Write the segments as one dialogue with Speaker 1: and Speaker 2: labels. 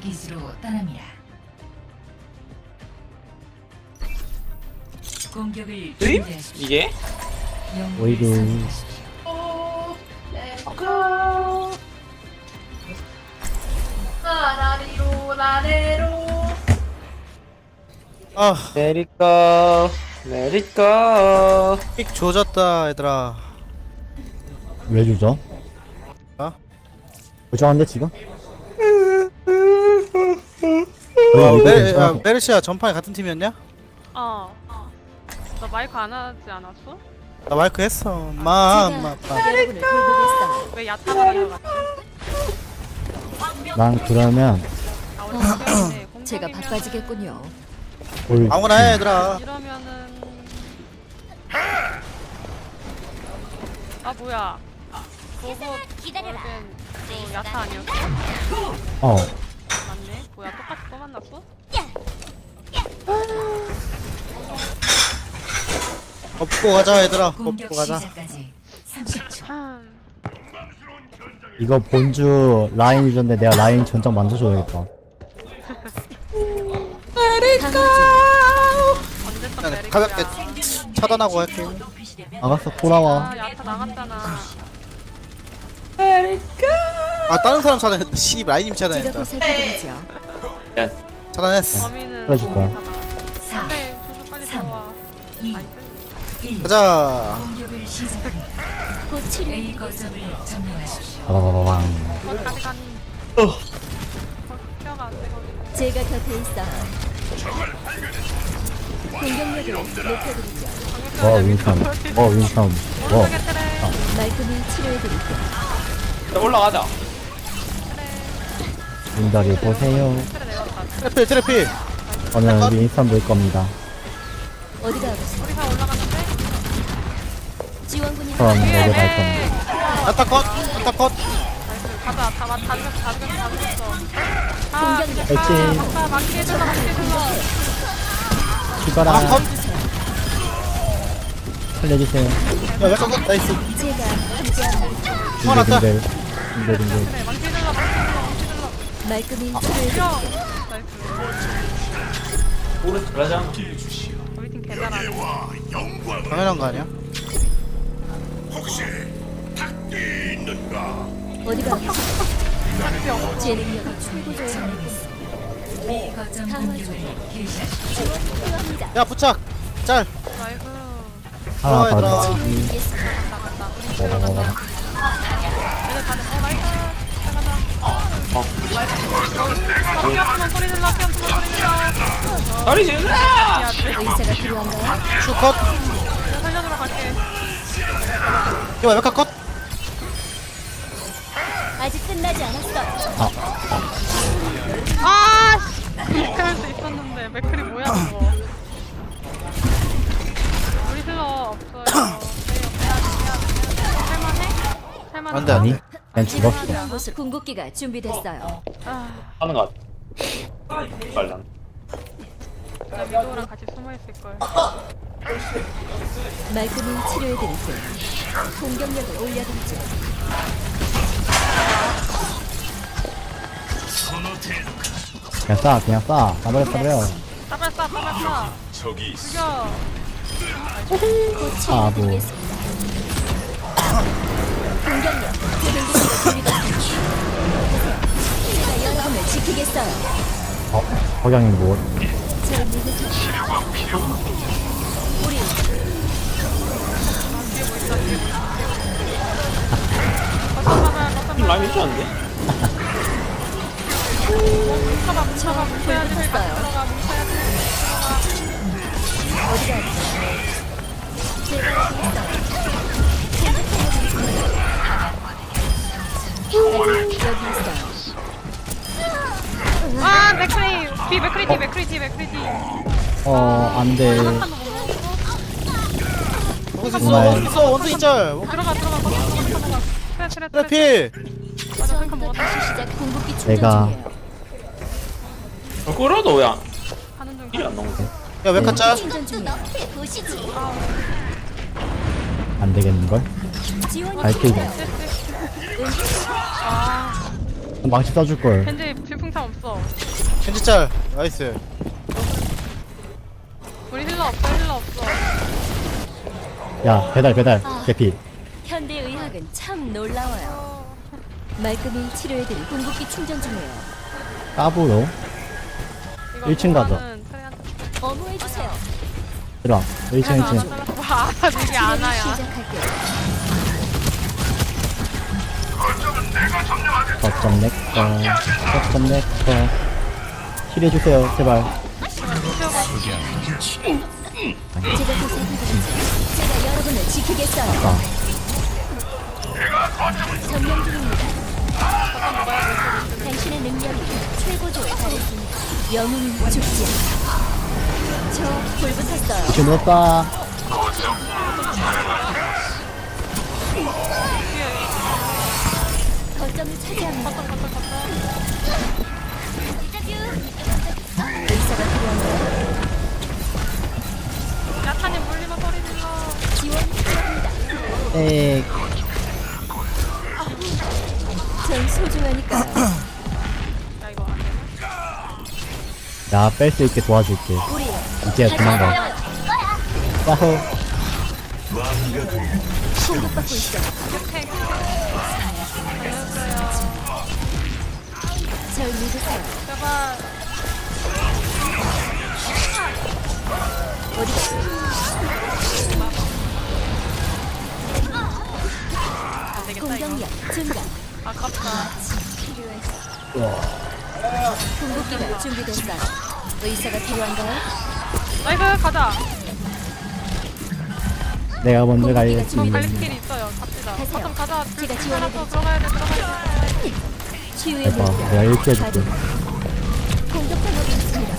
Speaker 1: 기지로 떠납니다. 공격을 준비하십시오.
Speaker 2: 이게?
Speaker 1: 영웅을
Speaker 3: 오이도.
Speaker 1: 선택하십시오.
Speaker 4: 나라리로 나래로
Speaker 5: 아,
Speaker 2: Let it go, let it go.
Speaker 5: 픽 조졌다 얘들아.
Speaker 3: 왜 주죠?
Speaker 5: 어?
Speaker 3: 부정한데 지금?
Speaker 5: 와,
Speaker 3: 이거 괜찮아.
Speaker 5: 메르시아 전판에 같은 팀이었냐?
Speaker 4: 너 마이크 안 하지 않았어?
Speaker 5: 나 마이크 했어.
Speaker 6: 여러분을 돌보겠어요.
Speaker 4: 왜 야타가 하는 것 같지?
Speaker 3: 난 그러면
Speaker 4: 우리 시간인데
Speaker 6: 제가
Speaker 4: 공격이면은-
Speaker 6: 바빠지겠군요.
Speaker 3: 올
Speaker 5: 아무거나 해 얘들아.
Speaker 4: 이러면은 뭐야 로봇
Speaker 6: 기다려라.
Speaker 4: 너 야타 아니었어?
Speaker 3: 어
Speaker 4: 맞네. 뭐야 똑같이 또 만났어?
Speaker 5: 업고 가자 얘들아.
Speaker 1: 공격
Speaker 5: 업고 가자.
Speaker 1: 시작까지 30초.
Speaker 3: 이거 본주 라인 유전데 내가 라인 전장 만들어줘야겠다.
Speaker 4: 언제 또
Speaker 5: 그냥
Speaker 4: 내릴
Speaker 5: 가볍게
Speaker 4: 거야?
Speaker 5: 차단하고 할게.
Speaker 3: 알았어 돌아와.
Speaker 4: 야타 나갔잖아.
Speaker 5: 아 다른 사람 차단했다. 씨 라인님
Speaker 6: 제가
Speaker 5: 차단했다.
Speaker 6: 보살펴드리죠.
Speaker 5: 차단했어.
Speaker 4: 범인은
Speaker 3: 그래줄 거야.
Speaker 4: 공격하다.
Speaker 1: 4,
Speaker 4: 네, 조조 빨리
Speaker 1: 삼.
Speaker 4: 들어와.
Speaker 1: 2,
Speaker 4: 나이스.
Speaker 1: 1.
Speaker 5: 가자.
Speaker 1: 공격을 시작합니다.
Speaker 6: 곧
Speaker 1: A
Speaker 6: 치료해
Speaker 1: 거점을 점령하십시오.
Speaker 3: 바바바방.
Speaker 4: 거기까지 가니. 뼈가 안 되거든.
Speaker 6: 제가 곁에 있어. 공격력을 높여드리죠.
Speaker 3: 윈선.
Speaker 4: 오른쪽에 트레.
Speaker 6: 말끔히 치료해드릴게요.
Speaker 2: 올라가자.
Speaker 3: 문다리 보세요.
Speaker 4: 트레 내렸다.
Speaker 5: 트래필 트래필.
Speaker 3: 저는 윈선 물 겁니다.
Speaker 6: 어디가 아프세요?
Speaker 4: 우리가 올라갔는데?
Speaker 6: 지원군이
Speaker 3: 그럼 내려갈 겁니다.
Speaker 5: 안타 컷. 안타 컷.
Speaker 4: 나이스. 가자. 다 죽였어.
Speaker 6: 공격력.
Speaker 3: 화이팅.
Speaker 4: 막기 해줄라, 막기 해줄라.
Speaker 3: 죽어라.
Speaker 5: 아 컷.
Speaker 3: 살려주세요.
Speaker 5: 야왜 컷? 나이스.
Speaker 6: 제가 함께합니다.
Speaker 5: 화났다.
Speaker 3: 빙글빙글.
Speaker 4: 그래, 막기 해줄라, 막기 해줄라, 막기 해줄라.
Speaker 6: 말끔히
Speaker 4: 야!
Speaker 6: 치료해드릴게요.
Speaker 4: 나이스.
Speaker 2: 오른쪽 가자.
Speaker 4: 우리 팀 개잘하네.
Speaker 5: 당연한 거 아니야?
Speaker 6: 어디가 아프세요? 제 능력이 최고조에
Speaker 1: A 거점 공격을 개시하십시오.
Speaker 6: 필요합니다.
Speaker 5: 야 부착. 짤.
Speaker 4: 나이스.
Speaker 3: 하나
Speaker 5: 얘들아.
Speaker 3: 더.
Speaker 6: 치료해드리겠습니다.
Speaker 4: 나갔다. 우리 팀 나갔다.
Speaker 3: 바바바방.
Speaker 4: 얘들 가네. 나이스. 잘 가자. 피아프만 소리 질러, 피아프만 소리 질러.
Speaker 2: 다리 질러!
Speaker 4: 야,
Speaker 6: 의사가 필요한가요?
Speaker 5: 슈 컷.
Speaker 4: 내가 살려주러 갈게.
Speaker 5: 야왜 메카 컷?
Speaker 6: 아직 끝나지 않았어.
Speaker 4: 이렇게 할 수 있었는데 맥클이 뭐야 그거. 우리 슬러 없어요. 할만해? 할만해?
Speaker 5: 안 돼, 안
Speaker 3: 아니
Speaker 5: 돼.
Speaker 3: 그냥 죽었어.
Speaker 6: 필요한 곳을 궁극기가 준비됐어요.
Speaker 2: 하는 것 같아. 빨랑.
Speaker 4: 나 미도랑 같이 숨어 있을걸.
Speaker 6: 말끔히 치료해드릴게요. 공격력을 올려드리죠.
Speaker 3: 그냥 쏴 그냥 쏴. 싸버려 싸버려.
Speaker 4: 따발 쏴, 따발 쏴. 죽여.
Speaker 6: 곧
Speaker 3: 아,
Speaker 6: 치료해드리겠습니다. 공격력, 공격기가 준비됐습니다. 제가 여러분을 지키겠어요.
Speaker 3: 석양이 뭐?
Speaker 6: 제 믿으세요. 우리
Speaker 4: 거점 가봐야 거점
Speaker 2: 라인 미쳤는데?
Speaker 4: 뭉쳐봐, 뭉쳐봐, 뭉쳐야지.
Speaker 6: 불붙었어요.
Speaker 4: 들어가, 뭉쳐야지.
Speaker 6: 어디가 아프세요? 제가 여기 있어요.
Speaker 4: 아, 맥크리. 뒤, 맥크리, 뒤, 맥크리, 뒤, 맥크리, 뒤.
Speaker 3: 안돼.
Speaker 4: 한칸도 못 먹었어?
Speaker 5: 원수 있어.
Speaker 3: 정말.
Speaker 5: 원수 있어. 원수 있죠.
Speaker 4: 들어가, 들어가, 거기 들어가. 트레, 트레, 트레.
Speaker 5: 트래필.
Speaker 4: 맞아, 한칸
Speaker 6: 처음부터
Speaker 4: 먹었다.
Speaker 6: 다시 시작 궁극기 충전
Speaker 3: 내가-
Speaker 6: 중이에요.
Speaker 2: 끌어도 왜
Speaker 4: 가는 중.
Speaker 2: 힐이 안 나오지?
Speaker 5: 야 메카 짤.
Speaker 6: 충전 중이에요. 보시지.
Speaker 3: 안 되겠는 걸?
Speaker 6: 지원이
Speaker 3: 알게
Speaker 6: 필요해요.
Speaker 4: 아,
Speaker 3: 망치 써줄 걸.
Speaker 4: 겐지 질풍 참 없어.
Speaker 5: 겐지 짤 나이스.
Speaker 4: 우리 힐러 없어. 힐러 없어.
Speaker 3: 야 배달 개피.
Speaker 6: 현대 의학은 참 놀라워요. 말끔히 치료해드릴 궁극기 충전 중이에요.
Speaker 3: 까불어.
Speaker 4: 이거
Speaker 3: 1층 가자.
Speaker 4: 보면은 트레한테
Speaker 6: 어무해주세요.
Speaker 3: 들어와. 1층
Speaker 4: 하나
Speaker 3: 1층.
Speaker 4: 잘랐어. 와, 이게
Speaker 6: 치료를
Speaker 4: 아나야.
Speaker 6: 시작할게요.
Speaker 3: 거점 내꺼. 거점 내꺼. 힐해주세요 제발.
Speaker 6: 제가 보살펴드리죠. 제가 여러분을 지키겠어요.
Speaker 3: 아.
Speaker 6: 점령 중입니다. 당신의 능력이 최고조에 달했습니다. 영웅은 죽지 않아. 저 불붙었어요.
Speaker 3: 지금 넣었다.
Speaker 6: 거점을 차지합니다. 의사가 필요한가요?
Speaker 4: 야타님 물리면 소리 질러.
Speaker 6: 지원이 필요합니다.
Speaker 3: 에이.
Speaker 6: 전 소중하니까요.
Speaker 4: 야, 이거 안 되나?
Speaker 3: 야 뺄 수 있게 도와줄게.
Speaker 6: 우리
Speaker 3: 이제 도망가. 야호.
Speaker 6: 공격받고 있어.
Speaker 4: 팩.
Speaker 6: 절 믿으세요.
Speaker 4: 제발. 안 되겠다, 이거.
Speaker 6: 공격력 증가.
Speaker 4: 아깝다.
Speaker 6: 궁극기가 준비됐어요. 의사가 필요한가요?
Speaker 4: 나이스, 가자.
Speaker 3: 내가 먼저
Speaker 6: 공격기가
Speaker 3: 가야지.
Speaker 4: 갈릴 있어요. 갑시다.
Speaker 6: 가세요.
Speaker 4: 거점 가자.
Speaker 6: 제가
Speaker 4: 하나
Speaker 6: 지원해드리죠.
Speaker 4: 더 들어가야 돼.
Speaker 6: 치유의
Speaker 3: 대박.
Speaker 6: 물결.
Speaker 3: 내가 이렇게 해줄게.
Speaker 6: 공격 방법이 있습니다.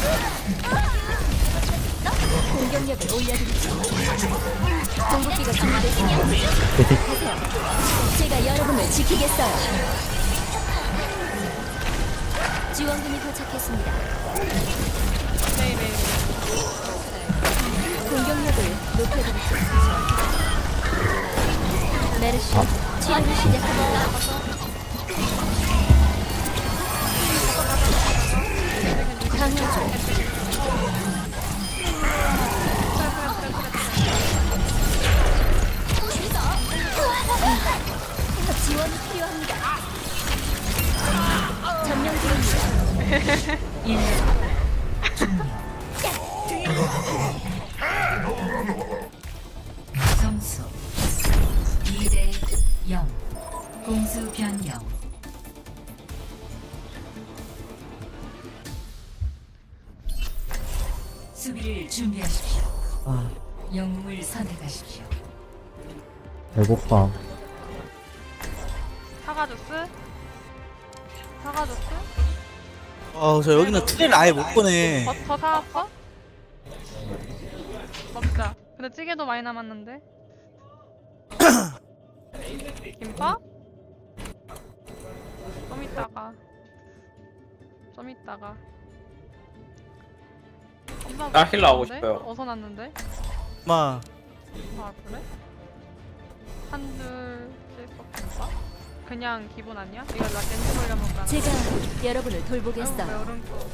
Speaker 6: 공격력을 올려드리죠. 공격기가 준비됐습니다. 가세요. 제가 여러분을 지키겠어요. 지원군이 도착했습니다.
Speaker 4: 네네.
Speaker 6: 공격력을 높여드리죠. 메르시 치료를 시작합니다. 강화조 지원이 필요합니다. 점령 중입니다.
Speaker 1: 1. 점수 2대 0. 공수 변경. 수비를 준비하십시오.
Speaker 3: 아
Speaker 1: 영웅을 선택하십시오.
Speaker 3: 배고파.
Speaker 4: 사과 주스? 사과 주스?
Speaker 5: 저 여기는 트레를 아예 못 보네.
Speaker 4: 더 사왔어? 먹자. 근데 찌개도 많이 남았는데. 김밥? 좀 이따가. 좀 이따가. 엄마
Speaker 2: 나 힐러 하고
Speaker 4: 났는데?
Speaker 2: 싶어요.
Speaker 4: 어서 났는데?
Speaker 5: 마
Speaker 4: 아 그래? 한줄 김밥? 그냥 기본 아니야? 이거 나 렌즈 올려 먹잖아.
Speaker 6: 제가 여러분을 돌보겠어요.
Speaker 4: 여름 거.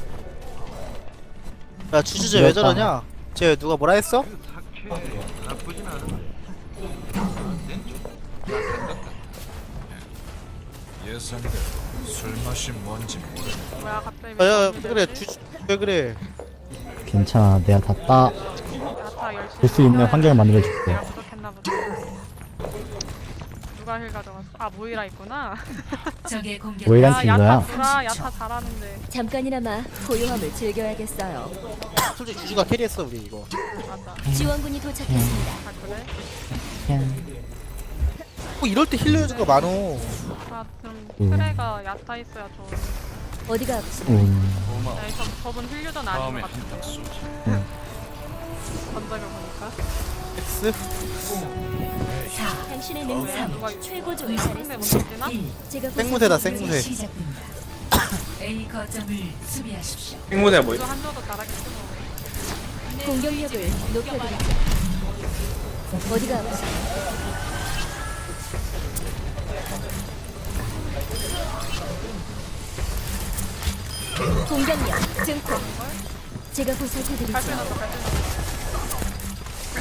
Speaker 5: 야 주주제 왜 저러냐? 쟤 누가 뭐라 했어?
Speaker 7: 예상대로 술 맛이 뭔지 모르.
Speaker 4: 뭐야 갑자기
Speaker 5: 야
Speaker 4: 미쳤는데?
Speaker 5: 그래 주주 왜 그래?
Speaker 3: 괜찮아. 내가 다 따.
Speaker 4: 야타 열심히
Speaker 3: 볼 수 있는
Speaker 4: 먹어야
Speaker 3: 환경을 만들어줄게.
Speaker 4: 내가 부족했나 보다. 누가 힐 가져갔어? 아 모이라 있구나.
Speaker 1: 적의 공격.
Speaker 3: 모이라
Speaker 4: 야
Speaker 3: 친 거야?
Speaker 4: 야타 구라 야타 잘하는데.
Speaker 6: 잠깐이나마 고요함을 즐겨야겠어요.
Speaker 5: 솔직히 주주가 캐리했어 우리 이거.
Speaker 4: 맞아.
Speaker 6: 지원군이 도착했습니다.
Speaker 4: 아 그래?
Speaker 5: 뭐 이럴 때 힐러 해준 거 많어.
Speaker 4: 아 그럼 트레가 야타 있어야 좋은.
Speaker 6: 어디가 아프세요?
Speaker 4: 야 저분 힐류전 아닌
Speaker 7: 다음에
Speaker 4: 것 같은데.
Speaker 7: 한탕 쏘지.
Speaker 4: 전작을 보니까.
Speaker 5: X
Speaker 1: 4.
Speaker 6: 당신의
Speaker 4: 누가
Speaker 6: 능력 최고조에
Speaker 4: 상대 못
Speaker 6: 달했습니다.
Speaker 4: 쓰나?
Speaker 1: 1.
Speaker 6: 제가
Speaker 5: 생무새다,
Speaker 6: 보살펴드리죠.
Speaker 5: 생무새.
Speaker 1: 시작됩니다. A 거점을 수비하십시오.
Speaker 2: 행문해 뭐
Speaker 4: 이거 한조도 잘하겠지 뭐.
Speaker 6: 공격력을 높여드리죠. 어디가 아프세요? 공격력 증폭. 제가 보살펴드리죠.
Speaker 4: 발표 넣었어 발표 넣었어.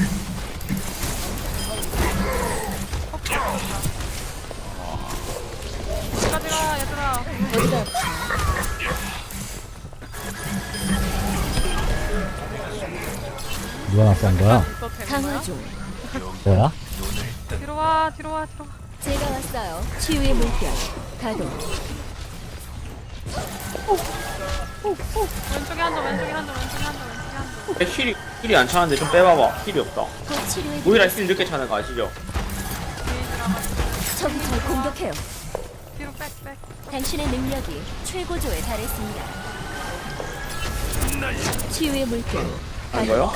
Speaker 4: 어디까지 가 얘들아.
Speaker 6: 어디가 아프세요?
Speaker 3: 누가 낯선 거야?
Speaker 4: 있어도 되는 거야?
Speaker 6: 강화 중.
Speaker 3: 뭐야?
Speaker 4: 뒤로 와 뒤로 와 뒤로 와.
Speaker 6: 제가 왔어요. 치유의 물결 가동.
Speaker 4: 왼쪽에 한점 왼쪽에 한점 왼쪽에 한점 왼쪽에 한점.
Speaker 2: 힐이 안 차는데 좀 빼봐봐. 힐이 없다.
Speaker 6: 곧 치료해.
Speaker 2: 모이라 힐 늦게 차는 거 아시죠?
Speaker 6: 적이 절 공격해요.
Speaker 4: 뒤로 빽빽.
Speaker 6: 당신의 능력이 최고조에 달했습니다. 치유의 물결
Speaker 2: 안 거요?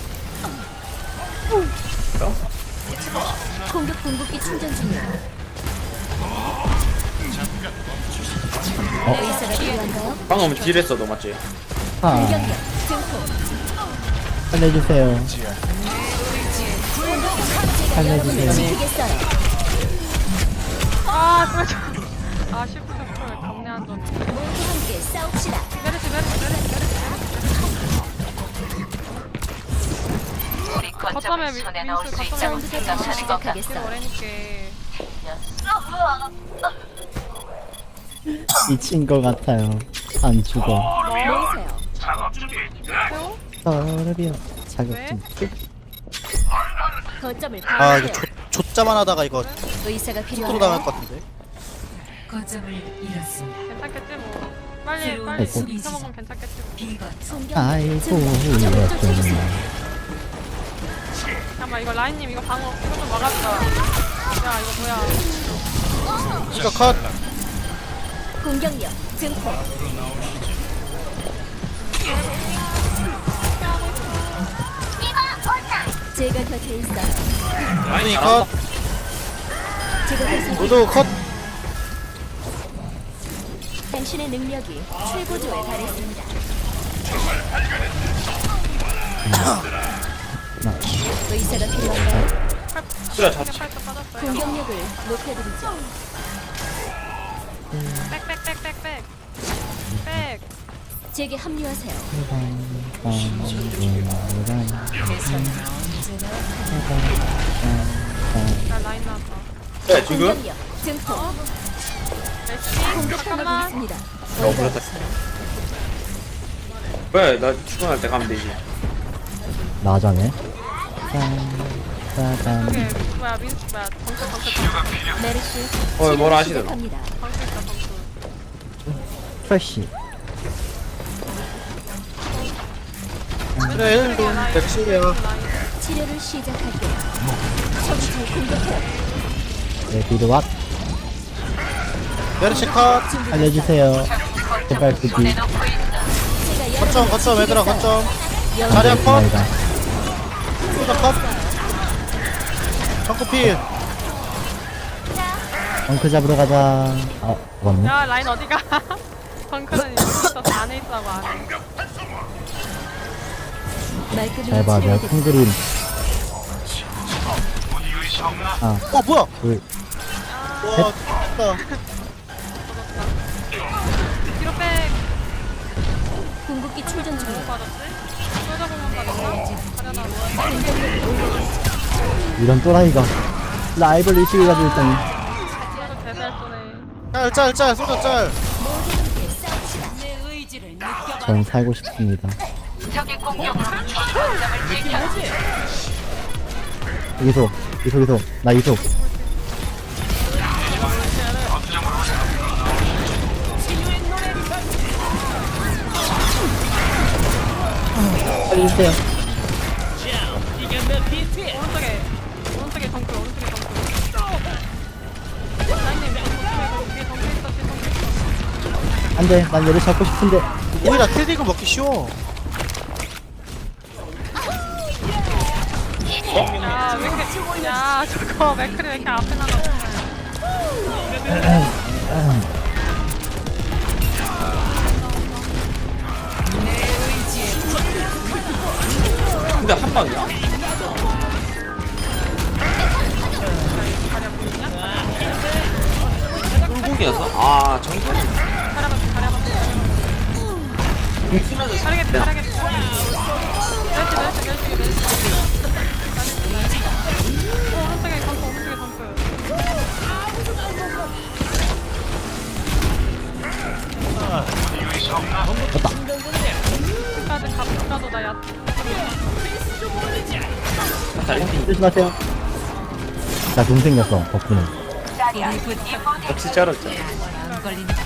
Speaker 6: 공격 궁극기 충전 중이에요. 의사가 필요한가요?
Speaker 2: 방금 딜했어, 너 맞지?
Speaker 3: 아,
Speaker 6: 공격력 증폭.
Speaker 3: 살려주세요. 살려주세요.
Speaker 6: 지키겠어요.
Speaker 4: 아 쓰러져. 아 시프트 왜 감내 안 전.
Speaker 6: 모두 함께 싸웁시다.
Speaker 4: 메르시 거점에 민수 거점에
Speaker 6: 처음부터 다시
Speaker 4: 뒤로
Speaker 6: 시작하겠어요.
Speaker 4: 오래니께.
Speaker 3: 미친 거 같아요. 안 죽어.
Speaker 6: 모이세요.
Speaker 4: 세호?
Speaker 3: 서럽이요. 자격증.
Speaker 6: 거점을
Speaker 5: 아 이거
Speaker 6: 방어해요.
Speaker 5: 좆자만 하다가 이거
Speaker 6: 의사가
Speaker 5: 프로
Speaker 6: 필요한가요?
Speaker 5: 당할 것 같은데.
Speaker 1: 거점을 잃었습니다.
Speaker 4: 괜찮겠지 뭐. 빨리
Speaker 1: 새로운
Speaker 4: 빨리
Speaker 1: 수비
Speaker 4: 잊어먹으면 괜찮겠지 뭐.
Speaker 1: 비거점.
Speaker 6: 공격력
Speaker 3: 아이고,
Speaker 6: 증폭.
Speaker 3: 이랬더니.
Speaker 4: 잠깐만 이거 라인님 이거 방어 이거 좀 막아주자. 야 이거 뭐야?
Speaker 5: 이거 컷.
Speaker 6: 공격력 증폭. 제가 곁에 있어요.
Speaker 5: 라인이 컷.
Speaker 6: 제가 곁에
Speaker 5: 모두 컷.
Speaker 6: 당신의 능력이 최고조에 달했습니다. 의사가 필요한가요?
Speaker 2: 그래, 자,
Speaker 4: 팔뚝 빠졌어요.
Speaker 6: 공격력을 높여드리죠.
Speaker 4: 빽빽빽빽빽. 빽.
Speaker 6: 제게 합류하세요.
Speaker 4: 나 라인 나왔다.
Speaker 2: 네, 지금?
Speaker 6: 공격력 증폭.
Speaker 4: 레시
Speaker 6: 공격하고
Speaker 4: 잠깐만.
Speaker 6: 있습니다.
Speaker 2: 그렇다. 왜? 나 출근할 때 가면 되지.
Speaker 3: 나자네.
Speaker 4: 저게 뭐야 민수 뭐야 덩크
Speaker 6: 메르시
Speaker 2: 뭐라
Speaker 6: 치료
Speaker 2: 하시더라.
Speaker 6: 시작합니다.
Speaker 4: 덩크 있다 덩크.
Speaker 3: 프레쉬.
Speaker 5: 그래 1도 백시야.
Speaker 6: 치료를 시작할게요. 적이 절 공격해요.
Speaker 3: 네, 비드왓.
Speaker 5: 메르시 컷.
Speaker 3: 알려주세요. 제발 부디.
Speaker 6: 제가
Speaker 5: 거점 거점 얘들아 거점.
Speaker 6: 영
Speaker 5: 자리야 컷.
Speaker 3: 아니다.
Speaker 5: 모두 컷. 정크필.
Speaker 3: 덩크 잡으러 가자. 아, 죽었네.
Speaker 4: 야 라인 어디가? 덩크는 여기 있어서 안에 있다고 안에.
Speaker 6: 말끔히
Speaker 3: 잘 봐, 내가
Speaker 6: 치료해드리죠.
Speaker 3: 큰 그림. 아,
Speaker 5: 뭐야?
Speaker 3: 둘.
Speaker 5: 와 좋다.
Speaker 4: 뒤로 백.
Speaker 6: 궁극기 충전
Speaker 4: 뭐
Speaker 6: 중이에요.
Speaker 4: 빠졌지? 쏘자보면 빠졌나? 가려나
Speaker 3: 이런 또라이가 라이벌 의식을 가지고 있다니.
Speaker 4: 그래도 대살 쏘네.
Speaker 5: 짤짤짤 쏘자 짤.
Speaker 3: 전 살고 싶습니다. 이속, 이속. 나 이속. 살려주세요.
Speaker 4: 오른쪽에 덩크 오른쪽에 덩크. 라인님 뒤에 덩크 있어 뒤에 덩크 있어.
Speaker 3: 안 돼, 난 얘를 잡고 싶은데.
Speaker 5: 오히려 킬디그 먹기 쉬워.
Speaker 4: 야, 왜 이렇게, 야, 저거 맥크리 왜 이렇게 앞에 나가?
Speaker 2: 근데 한 방이야? 꿀국이었어? 아, 정말.
Speaker 4: 가려봐. 잘하겠다. 멸치. 오른쪽에 점프, 오른쪽에 점프. 가도 나 야.
Speaker 3: 조심하세요. 나돈 생겼어, 덕분에.
Speaker 2: 같이 자랐죠.
Speaker 1: 안 걸린다.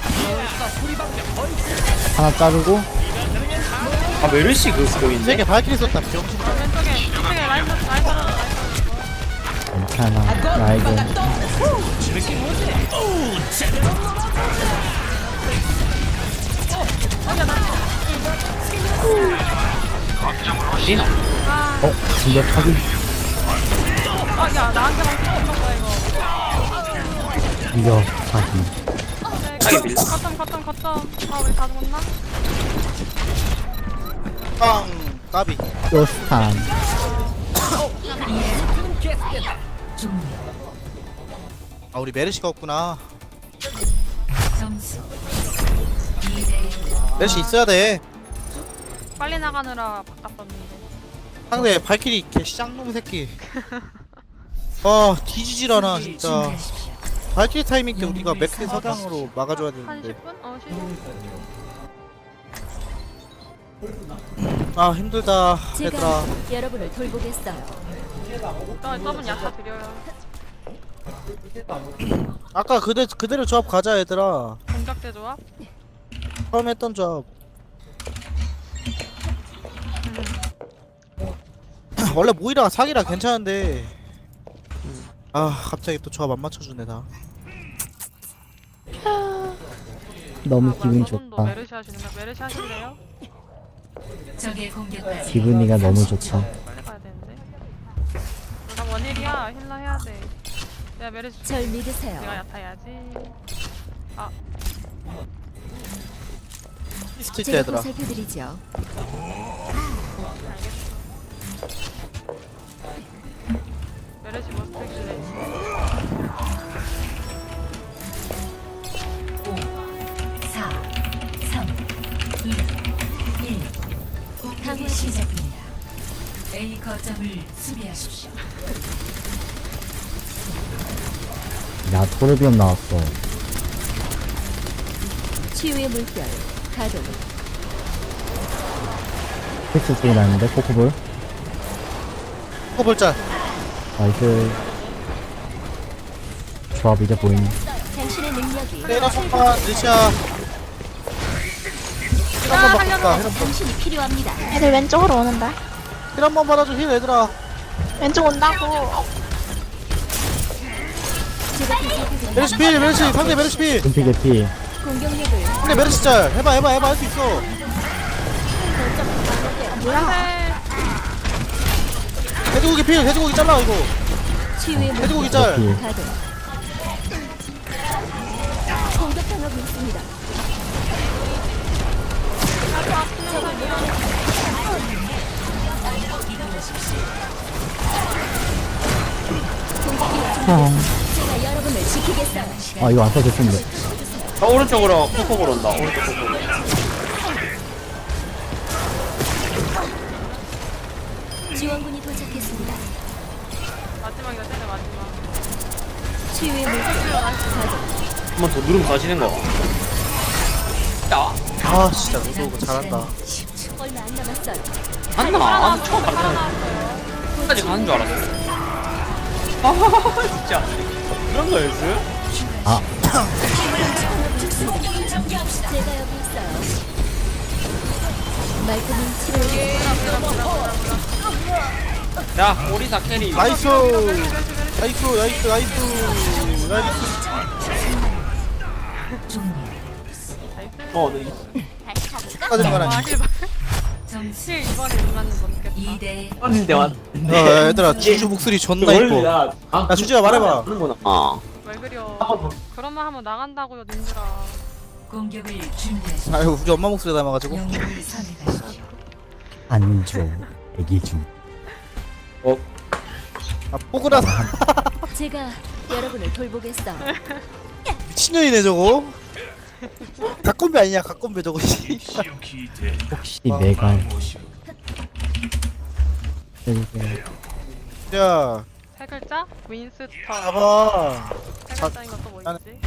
Speaker 3: 하나 자르고,
Speaker 2: 아 메르시 그 스킬인데?
Speaker 5: 세개 발키리 썼다 병신.
Speaker 4: 왼쪽에 라인
Speaker 3: 괜찮아. 나에게.
Speaker 2: 리나.
Speaker 3: 진짜 타기.
Speaker 4: 야 나한테만 붙는 거야 이거.
Speaker 3: 이겨, 타기.
Speaker 2: 타기 밀려.
Speaker 4: 거점. 아 우리 다 죽었나?
Speaker 5: 빵 까비.
Speaker 3: 요스탄.
Speaker 1: 종료.
Speaker 5: 아 우리 메르시가 없구나.
Speaker 1: 점수 2대
Speaker 5: 메르시 있어야 돼.
Speaker 4: 빨리 나가느라 바꿨었는데.
Speaker 5: 상대 발키리 개 쌍놈 새끼. 아 뒤지질 않아 진짜.
Speaker 1: 준비하십시오.
Speaker 5: 발키리 타이밍 때 우리가 맥크리 서장으로 막아줘야
Speaker 4: 한
Speaker 5: 되는데.
Speaker 4: 10분? 어 10분.
Speaker 5: 아 힘들다
Speaker 6: 제가
Speaker 5: 얘들아.
Speaker 6: 여러분을 돌보겠어요.
Speaker 4: 저분 야타 드려요.
Speaker 5: 아까 그대로 조합 가자 얘들아.
Speaker 4: 공격대 조합?
Speaker 5: 처음 했던 조합. 원래 모이라가 사기라 괜찮은데 아 갑자기 또 조합 안 맞춰주네 다.
Speaker 3: 너무 기분이
Speaker 4: 저분도
Speaker 3: 좋다.
Speaker 4: 메르시 하시는 거야? 메르시 하실래요?
Speaker 1: 적의 공격까지
Speaker 3: 기분이가 너무 좋다.
Speaker 4: 빨리 가야 되는데. 나 원일이야. 힐러 해야 돼. 내가 메르시 줄게.
Speaker 6: 절 믿으세요.
Speaker 4: 내가 야타 해야지.
Speaker 5: 스틸 때
Speaker 6: 제가
Speaker 5: 얘들아.
Speaker 6: 보살펴드리죠.
Speaker 4: 메르시 뭐 스택실래?
Speaker 1: 4, 3, 2, 1. 공격이 시작됩니다. A 거점을 수비하십시오.
Speaker 3: 야, 토르비온 나왔어.
Speaker 6: 치유의 물결 가동.
Speaker 3: 픽스 쪽이 나는데, 코코볼.
Speaker 5: 볼자.
Speaker 3: 나이스. 조합 이제 보이네.
Speaker 6: 당신의 능력이
Speaker 5: 때려 손파 느샤. 힐 한번 바꿀까? 힐 한번.
Speaker 6: 당신이 필요합니다.
Speaker 8: 애들 왼쪽으로 오는데.
Speaker 5: 힐 한번 받아줘 힐 얘들아.
Speaker 8: 왼쪽 온다고.
Speaker 6: 제가 보살펴드리죠.
Speaker 5: 메르시 필 메르시 상대 메르시 필.
Speaker 3: 금피 개피.
Speaker 6: 공격력을
Speaker 5: 상대 메르시 짤. 해봐 할 수 있어.
Speaker 4: 뭐야?
Speaker 5: 돼지고기 필 돼지고기 잘라 이거.
Speaker 6: 치유의 물결
Speaker 5: 돼지고기 짤.
Speaker 3: 개피.
Speaker 6: 가동. 공격당하고 있습니다. 제가 여러분을 지키겠어요.
Speaker 3: 아, 이거 안 써도 됐는데.
Speaker 2: 오른쪽으로 코코볼 온다. 오른쪽 코코볼.
Speaker 6: 지원군이 도착했습니다.
Speaker 4: 마지막이다, 쟤네 마지막.
Speaker 6: 치유의 물결 가동.
Speaker 2: 한 번 더 누르면 가지는 거. 야,
Speaker 5: 아 진짜 너도 잘한다.
Speaker 6: 얼마 안 남았어요.
Speaker 2: 안나. 처음 봤잖아. 끝까지 가는 줄 알았어. 아, 진짜. 그런 거였어?
Speaker 3: 아,
Speaker 6: 제가 여기 있어요. 말끔히 치료해.
Speaker 2: 야, 오리사 캐리.
Speaker 5: 나이스 나이스.
Speaker 1: 종료.
Speaker 2: 네.
Speaker 5: 축하드리는 건
Speaker 4: 와,
Speaker 5: 아니지.
Speaker 4: 힐
Speaker 1: 점수
Speaker 4: 힐 이번에 누나는 못 겠다.
Speaker 1: 2대
Speaker 2: 왔는데 왔.
Speaker 5: 얘들아 주주 목소리 존나 이뻐. 야 주주야 말해봐.
Speaker 2: 하는구나. 아.
Speaker 4: 왜 그려? 그러면 한번 나간다고요, 님들아.
Speaker 1: 공격을 준비하십시오.
Speaker 5: 아유 우리 엄마 목소리 닮아가지고.
Speaker 1: 영웅을 선택하십시오.
Speaker 3: 안 줘. 애기 중.
Speaker 5: 아 뽀글하다.
Speaker 6: 제가 여러분을 돌보겠어요.
Speaker 5: 미친년이네 저거. 각건배 아니냐 각건배 저거.
Speaker 3: 혹시 내가 해주세요.
Speaker 5: 야
Speaker 4: 세 글자? 윈스턴.
Speaker 5: 봐봐.
Speaker 4: 세 글자인 것도 뭐 있지?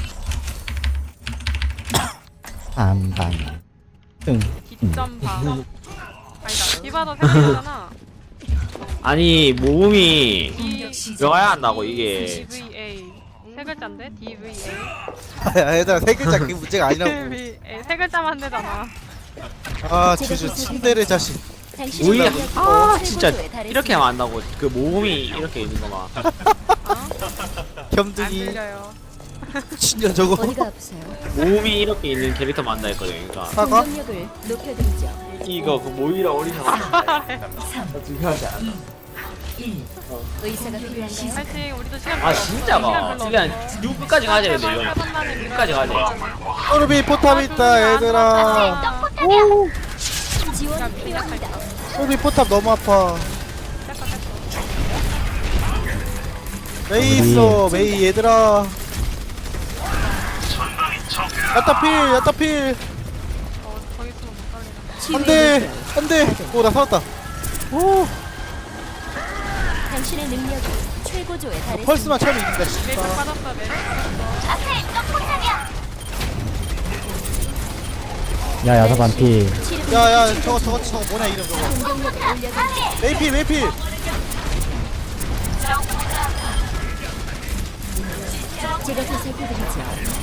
Speaker 3: 반반 등
Speaker 4: 뒷점방. 아니다. 디바도 세 글자잖아.
Speaker 2: 아니 모음이
Speaker 1: 공격 시작.
Speaker 2: 들어가야 한다고 이게.
Speaker 4: DVA. 세 글자인데? DVA.
Speaker 5: 야 얘들아 세 글자 그게 문제가 아니라고.
Speaker 4: DVA. 세 글자만 되잖아.
Speaker 5: 아 주주 침대를 자식.
Speaker 6: 당신의
Speaker 2: 오히려
Speaker 6: 능력이
Speaker 2: 진짜
Speaker 6: 최고조에 달했습니다.
Speaker 2: 이렇게 하면 안 나고 그 모음이 이렇게 있는 거만.
Speaker 4: 안
Speaker 5: 겸등이
Speaker 4: 들려요.
Speaker 5: 신년 저거.
Speaker 6: 어디가 아프세요?
Speaker 2: 모음이 이렇게 있는 캐릭터 만다 했거든. 그러니까
Speaker 5: 사과?
Speaker 6: 공격력을 높여드리죠.
Speaker 2: 이거 그 모이라 오리사 중요하지 않아.
Speaker 1: 1.
Speaker 6: 의사가 필요한가요?
Speaker 4: 파이팅. 우리도 시간
Speaker 2: 아
Speaker 4: 별로 없어.
Speaker 2: 진짜가
Speaker 4: 시간
Speaker 2: 그냥
Speaker 4: 별로 없어.
Speaker 2: 6끝까지 가야 되는데
Speaker 4: 제발
Speaker 2: 이거.
Speaker 4: 세번만에 밀어야
Speaker 2: 끝까지 가야 돼.
Speaker 5: 소르비 포탑 있다 얘들아.
Speaker 6: 지원이 필요합니다.
Speaker 5: 소르비 포탑 너무 아파. 메이 있어 메이 얘들아. 야타필 야타필.
Speaker 4: 거기 있으면 못 살리나.
Speaker 5: 안돼 안돼. 오나 살았다. 오
Speaker 6: 당신의 능력이 최고조에 달했습니다.
Speaker 5: 펄스만 차면 이긴다
Speaker 4: 메이크
Speaker 5: 진짜.
Speaker 4: 빠졌어. 메이크 빠졌어.
Speaker 3: 야 야사 반피
Speaker 5: 야야 저거 뭐냐 이름 저거.
Speaker 6: 공격력을 올려드리죠.
Speaker 5: 메이필 메이필.
Speaker 6: 제가 더 살펴드리죠.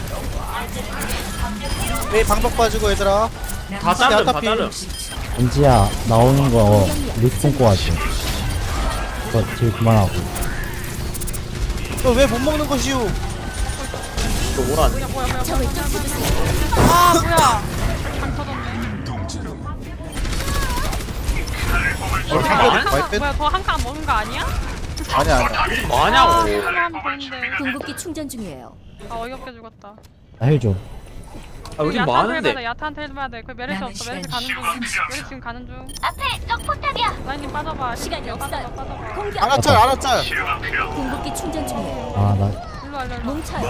Speaker 5: 메이 방벽 빠지고 얘들아.
Speaker 2: 다 자름 다
Speaker 5: 야타필.
Speaker 2: 자름.
Speaker 3: 은지야 나오는 거 루트 끊고 하지. 이거 딜 그만하고.
Speaker 5: 너 왜 못 먹는 것이오?
Speaker 2: 이거 뭐라.
Speaker 4: 뭐야.
Speaker 6: 적을 쫓아주세요.
Speaker 4: 아 뭐야. 강 터졌네. 뭐야 더 한 칸 먹은 거 아니야?
Speaker 5: 아니야
Speaker 2: 뭐하냐고.
Speaker 4: 하면 되는데.
Speaker 6: 궁극기 충전 중이에요.
Speaker 4: 아 어이없게 죽었다.
Speaker 3: 나 힐 줘.
Speaker 2: 아 우리 뭐 하는데.
Speaker 4: 야타한테 해봐야 돼. 그 메르시
Speaker 1: 남은
Speaker 4: 없어. 메르시 가는 중.
Speaker 1: 시간
Speaker 4: 메르시 지금 가는 중.
Speaker 6: 앞에 적 포탑이야.
Speaker 4: 라인님 빠져봐.
Speaker 6: 시간이 없어요.
Speaker 4: 빠져봐.
Speaker 6: 공격.
Speaker 5: 알았짤 알았짤.
Speaker 6: 궁극기 충전 중이에요.
Speaker 3: 아나
Speaker 4: 일로 와 일로 와.
Speaker 6: 뭉쳐요.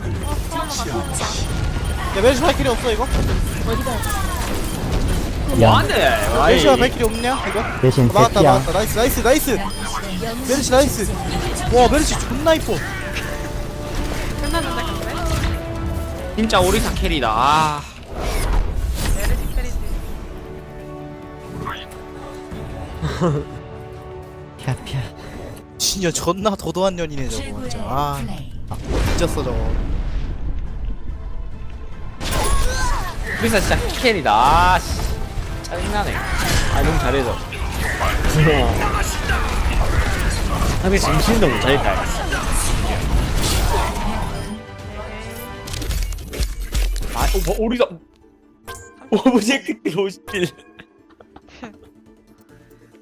Speaker 5: 야 메르시 발길이 없어 이거?
Speaker 6: 어디가 아프세요?
Speaker 3: 야
Speaker 2: 뭐하는데.
Speaker 5: 메르시가 발길이 없냐 이거?
Speaker 3: 대신
Speaker 5: 막았다
Speaker 3: 새끼야.
Speaker 5: 막았다 나이스 메르시 나이스. 와 메르시 존나 이뻐.
Speaker 4: 끝났는데 근데?
Speaker 2: 진짜 오리사 캐리다. 아.
Speaker 4: 메르시 캐리지.
Speaker 3: 캬캬.
Speaker 5: 진짜 존나 도도한 년이네 저거
Speaker 1: 최고의
Speaker 5: 진짜. 아
Speaker 1: 플레이.
Speaker 5: 미쳤어 저거.
Speaker 2: 오리사 진짜 캐리다. 아 씨. 짜증나네. 아 너무 잘해서. 근데 정신도 못 차릴까. 아, 오리사. 오브젝트 51.